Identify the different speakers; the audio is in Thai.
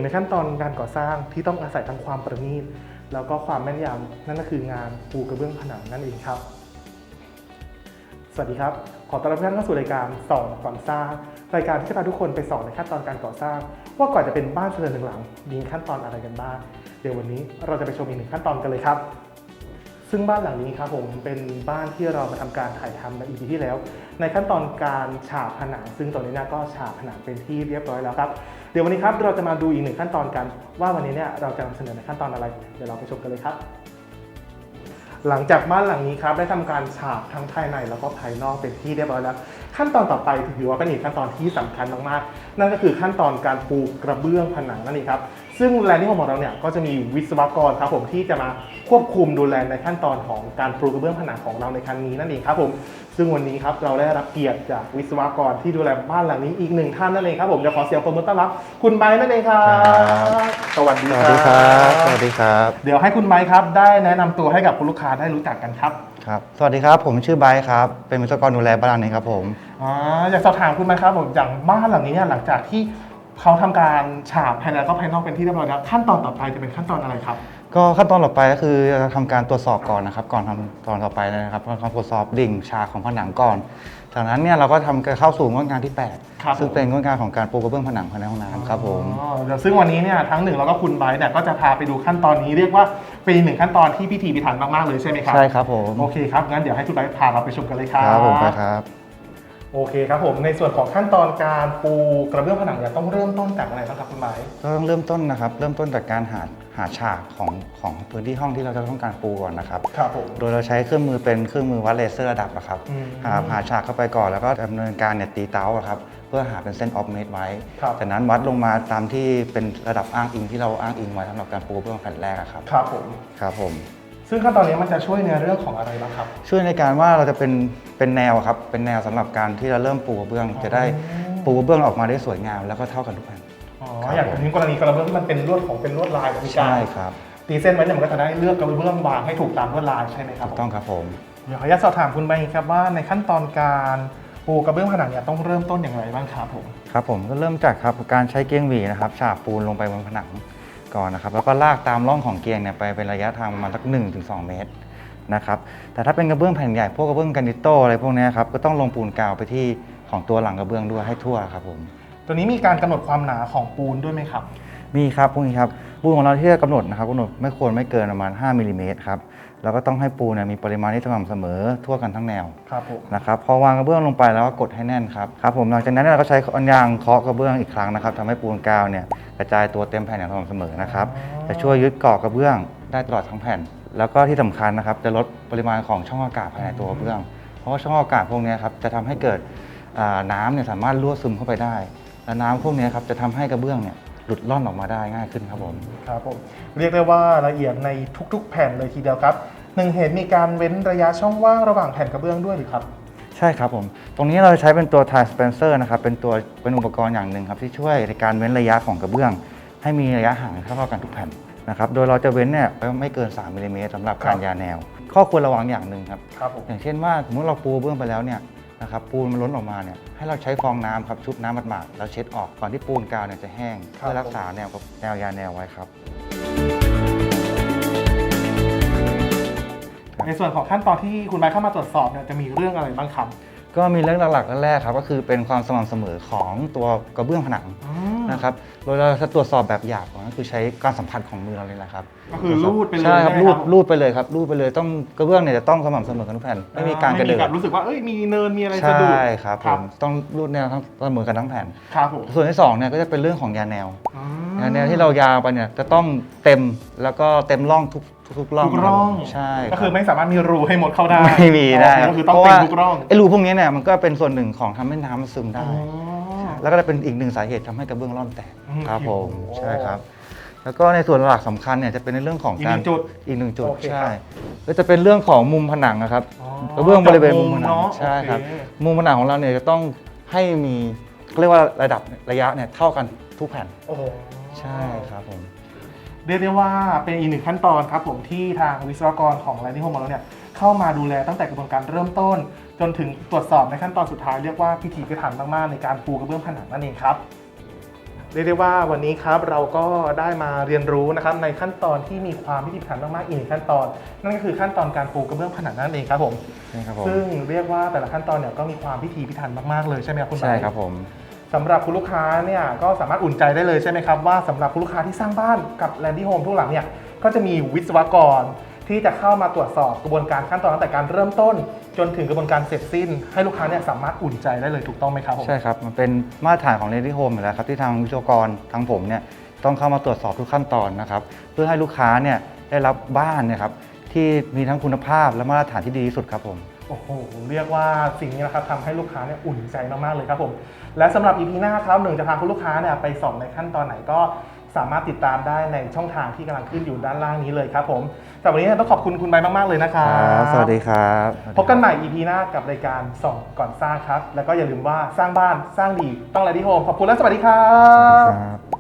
Speaker 1: ขั้นตอนการก่อสร้างที่ต้องอาศัยทั้งความประณีตแล้วก็ความแม่นยำนั่นก็คืองานปูกระเบื้องผนังนั่นเองครับสวัสดีครับขอต้อนรับทุกท่านเข้าสู่รายการส่องก่อนสร้างรายการที่จะพาทุกคนไปส่องในขั้นตอนการก่อสร้างว่าก่อนจะเป็นบ้านเรือนหนึ่งหลังมีขั้นตอนอะไรกันบ้างเดี๋ยววันนี้เราจะไปชมอีกหนึ่งขั้นตอนกันเลยครับซึ่งบ้านหลังนี้ครับผมเป็นบ้านที่เรามาทำการถ่ายทำใน EP ที่แล้วในขั้นตอนการฉาบผนังซึ่งตอนนี้ก็ฉาบผนังเป็นที่เรียบร้อยแล้วครับเดี๋ยววันนี้ครับเราจะมาดูอีกหนึ่งขั้นตอนกันว่าวันนี้เนี่ยเราจะนำเสนอในขั้นตอนอะไรเดี๋ยวเราไปชมกันเลยครับหลังจากบ้านหลังนี้ครับได้ทำการฉาบทั้งภายในแล้วก็ภายนอกเป็นที่เรียบร้อยแล้วขั้นตอนต่อไปถือว่าเป็นอีกขั้นตอนที่สำคัญมากๆนั่นก็คือขั้นตอนการปูกระเบื้องผนังนั่นเองครับซึ่งแลนดิ้งของเราเนี่ยก็จะมีวิศวกรครับผมที่จะมาควบคุมดูแลในขั้นตอนของการปูกระเบื้องผนังของเราในครั้งนี้นั่นเองครับผมซึ่งวันนี้ครับเราได้รับเกียรติจากวิศวกรที่ดูแลบ้านหลังนี้อีกหนึ่งท่านนั่นเองครับผมจะขอเสียงปรบมือต้อนรับคุณไบร์ทนั่นเองครับสวัสดีครับ
Speaker 2: สวัสดีครับ
Speaker 1: เดี๋ยวให้คุณไบร์ทครับได้แนะนำตัวให้กับคุณลูกค้าได้รู้จักกันครับ
Speaker 2: ครับสวัสดีครับผมชื่อไบร์ทครับเป็นวิศวกรดูแลบ้านหลังนี้ครับผม
Speaker 1: อยากสอบถามคุณไบร์ทครับผมอย่างบ้านหลังนี้เนี่ยหลังจากที่เขาทำการฉาบภายในแล้วก็ภายนอกเป็นที่เรียบร้อยแล้วขั้นตอนต่อไปจะเป็นขั้นตอนอะไรครับ
Speaker 2: ก็ขั้นตอนต่อไปก็คือจะทำการตรวจสอบก่อนนะครับก่อนทำตอนต่อไปนะครับเราตรวจสอบดิ่งฉากของผนังก่อนจากนั้นเนี่ยเราก็ทำเข้าสู่งวดงานที่8ซึ่งเป็นงวดงานของการปูกระเบื้องผนังภายในห้องน้ำครับผม
Speaker 1: ซึ่งวันนี้เนี่ยทั้งหนึ่งแล้วก็คุณไบร์ทเนี่ยก็จะพาไปดูขั้นตอนนี้เรียกว่าเป็นหนึ่งขั้นตอนที่พิถีพิถันมากๆเลยใช่ไหมครับ
Speaker 2: ใช่ครับผม
Speaker 1: โอเคครับงั้นเดี๋ยวให้คุณไบร์ทพาเราไปชมกันเลยครับ
Speaker 2: ครับผมไปครับ
Speaker 1: โอเคครับผมในส่วนของขั้นตอนการปูกระเบื้องผนังเนี่ยต้องเริ่มต้นจากอะไรบ้างครับคุณไบร์ท
Speaker 2: ก็ต้องเริ่มต้นนะครับเริ่มต้นจากการหาฉากของพื้นที่ห้องที่เราจะต้องการปูก่อนนะครับ
Speaker 1: ครับผม
Speaker 2: โดยเราใช้เครื่องมือเป็นเครื่องมือวัดเลเซอร์ระดับนะครับหาฉากเข้าไปก่อนแล้วก็ดำเนินการเนี่ยตีเต้าครับเพื่อหาเป็นเส้นออฟเมตรไว้จากนั้นวัดลงมาตามที่เป็นระดับอ้างอิงที่เราอ้างอิงไว้สำหรับการปูเบื้องแผ่นแรกครับ
Speaker 1: ครับผม
Speaker 2: ครับผม
Speaker 1: ซึ่งขั้นตอนนี้มันจะช่วยในเรื่องของอะไรบ้างครับ
Speaker 2: ช่วยในการว่าเราจะเป็นแนวครับเป็นแนวสำหรับการที่เราเริ่มปูกระเบื้องจะได้ปูกระเบื้องออกมาได้สวยงามแล้วก็เท่ากันทุกแผ่น
Speaker 1: อย่างนี้กรณีกระเบื้องที่มันเป็นลวดเป็นลวดลายแบบนี้
Speaker 2: ใช่ครับ
Speaker 1: ตีเส้นไว้เนี่ยมันก็จะได้เลือกกระเบื้องวางให้ถูกตามลวดลายใช่ไหมครับ
Speaker 2: ถูกต้องครับผม
Speaker 1: เดี๋ยวขออนุญาตสอบถามคุณไปครับว่าในขั้นตอนการปูกระเบื้องผนังเนี่ยต้องเริ่มต้นอย่างไรบ้างครับผม
Speaker 2: ครับผมก็เริ่มจากครับการใช้เกียงหวีนะครับฉาบปูนลงไปบนผนังก่อนนะครับแล้วก็ลากตามร่องของเกียงเนี่ยไปเป็นระยะทางประมาณสัก 1-2 เมตรนะครับแต่ถ้าเป็นกระเบื้องแผ่นใหญ่พวกกระเบื้องกรานิโต้อะไรพวกนี้ครับก็ต้องลงปูนกาวไปที่ของตัวหลังกระเบื้องด้วยให้ทั่วครับผม
Speaker 1: ตัวนี้มีการกำหนดความหนาของปูนด้วยไหมครับ
Speaker 2: มีครับพวกนี้ครับปูนของเราที่จะกำหนดนะครับกำหนดไม่ควรไม่เกินประมาณ5 มิลลิเมตรครับแล้วก็ต้องให้ปูนมีปริมาณที่สม่ำเสมอทั่วกันทั้งแนวนะครับพอวางกระเบื้องลงไปแล้วก็กดให้แน่นครับผมหลังจากนั้นเราก็ใช้ยางเคาะกระเบื้องอีกครั้งนะครับทำให้ปูนกาวเนี่ยกระจายตัวเต็มแผ่นอย่างสม่ำเสมอนะครับจะช่วยยึดเกาะกระเบื้องได้ตลอดทั้งแผ่นแล้วก็ที่สำคัญนะครับจะลดปริมาณของช่องอากาศภายในตัวกระเบื้องเพราะว่าช่องอากาศพวกนี้ครับจะทำให้เกิดน้ำเนี่ยสามารถรั่วซึมเข้าไปได้และน้ำพวกนี้ครับจะทำให้กระเบื้องเนี่ยหลุดล่อนออกมาได้ง่ายขึ้นครับผม
Speaker 1: ครับผมเรียกได้ว่าละเอียดในทุกๆแผ่นเลยทีเดียวครับหนึ่งเหตุมีการเว้นระยะช่องว่างระหว่างแผ่นกระเบื้องด้วยหรือครับ
Speaker 2: ใช่ครับผมตรงนี้เราใช้เป็นตัว Tile Spacer นะครับเป็นอุปกรณ์อย่างหนึ่งครับที่ช่วยในการเว้นระยะของกระเบื้องให้มีระยะห่างเท่ากันทุกแผ่นนะครับโดยเราจะเว้นเนี่ยไม่เกิน3 มิลลิเมตรสำหรับการยาแนวข้อควรระวังอย่างหนึ่งครับอย่างเช่นว่าสมมติเราปูเบื้องไปแล้วเนี่ยนะครับปูนมันล้นออกมาเนี่ยให้เราใช้ฟองน้ำครับชุบน้ำหมาดๆแล้วเช็ดออกก่อนที่ปูนกาวเนี่ยจะแห้งเพื่อรักษาแนวยาแนวไว้ครับ
Speaker 1: ในส่วนของขั้นตอนที่คุณไบร์ทเข้ามาตรวจสอบเนี่ยจะมีเรื่องอะไรบ้างครับ
Speaker 2: ก็มีเรื่องหลักๆแรกครับก็คือเป็นความสม่ำเสมอของตัวกระเบื้องผนังนะครับโดยเราจะตรวจสอบแบบหยาบก็คือใช้การสัมผัสของมือเราเลยแหละครับ
Speaker 1: ก็คือรูดไปเลย
Speaker 2: ใช่ครับรูดไปเลยครับรูดไปเลยต้องกระเบื้องเนี่ยจะต้องสม่ำเสมอกันทุกแผ่นไม่มีการกระเดิด
Speaker 1: รู้สึกว่ามีเนินมีอะไรสะดุด
Speaker 2: ใช่ครับผมต้องรูดแนวทั้งเสมอกันทั้งแผ่น
Speaker 1: ครับผม
Speaker 2: ส่วนที่2เนี่ยก็จะเป็นเรื่องของยาแนวที่เรายาวไปเนี่ยจะต้องเต็มแล้วก็เต็มร่องทุกร่องใช่
Speaker 1: ก็คือไม่สามารถมีรูให้หมดเข้าได้
Speaker 2: ไม่มีได้
Speaker 1: ก็คือต้องเต็มทุกร่อง
Speaker 2: ไอ้รูพวกนี้เนี่ยมันก็เป็นส่วนหนึ่งของทำให้น้ำมันซึมได้แล้วก็จะเป็นอีกหนึ่งสาเหตุทำให้กระเบื้องร่อนแตกครับผมใช่ครับแล้วก็ในส่วนหลักสำคัญเนี่ยจะเป็นในเรื่องของการอีกหนึ่งจุดใช่ก็จะเป็นเรื่องของมุมผนังนะครับกระเบื้องบริเวณมุมผนังใช่ครับมุมผนังของเราเนี่ยจะต้องให้มีเรียกว่าระยะเนี่ยเท่ากันทุกแผ่นใช่ครับผม
Speaker 1: เรียกได้ว่าเป็นอีกหนึ่งขั้นตอนครับผมที่ทางวิศวกรของ Landing Home ของเราเนี่ยเข้ามาดูแลตั้งแต่กระบวนการเริ่มต้นจนถึงตรวจสอบในขั้นตอนสุดท้ายเรียกว่าพิถีพิถันมากๆในการปูกระเบื้องผนังนั่นเองครับเรียกได้ว่าวันนี้ครับเราก็ได้มาเรียนรู้นะครับในขั้นตอนที่มีความพิถีพิถันมากๆอีกหนึ่งขั้นตอนนั่นก็คือขั้นตอนการปูกระเบื้องผนังนั่นเองครับผม
Speaker 2: ใช่ครับผม
Speaker 1: ซึ่งเรียกว่าแต่ละขั้นตอนเนี่ยก็มีความพิถีพิถันมากๆเลยใช่ไหมครับคุณไบร์ท
Speaker 2: ใช่ครับผม
Speaker 1: สำหรับคุณลูกค้าเนี่ยก็สามารถอุ่นใจได้เลยใช่ไหมครับว่าสำหรับคุณลูกค้าที่สร้างบ้านกับแลนดี้โฮมทุกหลังเนี่ยก็จะมีวิศวกรที่จะเข้ามาตรวจสอบกระบวนการขั้นตอนตั้งแต่การเริ่มต้น จนถึงกระบวนการเสร็จสิ้น ให้ลูกค้าเนี่ยสามารถอุ่นใจได้เลยถูกต้องไหมครับผม
Speaker 2: ใช่ครับ มันเป็นมาตรฐานของ Ready Home อยู่แล้วครับที่ทางวิศวกรทางผมเนี่ยต้องเข้ามาตรวจสอบทุกขั้นตอนนะครับเพื่อให้ลูกค้าเนี่ยได้รับบ้านเนี่ยครับที่มีทั้งคุณภาพและมาตรฐานที่ดีที่สุดครับผม
Speaker 1: โอ้โหเรียกว่าสิ่งนี้นะครับทำให้ลูกค้าเนี่ยอุ่นใจมากๆเลยครับผมและสำหรับ EP หน้าครับหนึ่งจะพาคุณลูกค้าเนี่ยไปส่องในขั้นตอนไหนก็สามารถติดตามได้ในช่องทางที่กำลังขึ้นอยู่ด้านล่างนี้เลยครับผมแต่วันนี้เนี่ยต้องขอบคุณคุณใบมากๆเลยนะครับ
Speaker 2: สวัสดีครับ
Speaker 1: พบกันใหม่ EP หน้ากับรายการส่องก่อนสร้างครับแล้วก็อย่าลืมว่าสร้างบ้านสร้างดีต้อง Ready Home ขอบคุณและสวัสดีครั
Speaker 2: สวัสดี
Speaker 1: บ
Speaker 2: ครับ